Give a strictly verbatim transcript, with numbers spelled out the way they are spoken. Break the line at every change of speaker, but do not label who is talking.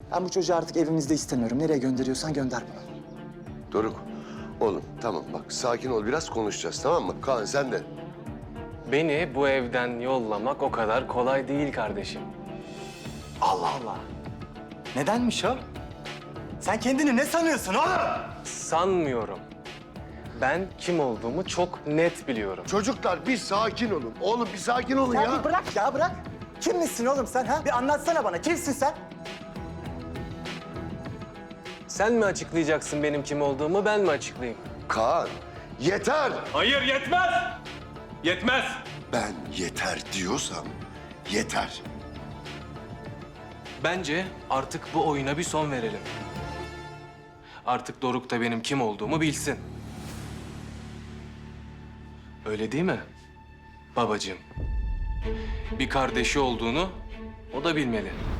Ben bu çocuğu artık evimizde istemiyorum. Nereye gönderiyorsan gönder bunu.
Doruk, oğlum tamam bak sakin ol biraz konuşacağız tamam mı? Kaan sen de.
Beni bu evden yollamak o kadar kolay değil kardeşim.
Allah Allah. Nedenmiş o? Sen kendini ne sanıyorsun oğlum?
Sanmıyorum. Ben kim olduğumu çok net biliyorum.
Çocuklar bir sakin olun. Oğlum bir sakin olun
Ya,
ya.
bir bırak ya bırak. Kimmişsin oğlum sen ha? Bir anlatsana bana. Kimsin sen?
Sen mi açıklayacaksın benim kim olduğumu, ben mi açıklayayım?
Kaan yeter.
Hayır yetmez. Yetmez.
Ben yeter diyorsam yeter.
Bence artık bu oyuna bir son verelim. Artık Doruk da benim kim olduğumu bilsin. Öyle değil mi babacığım? Bir kardeşi olduğunu o da bilmeli.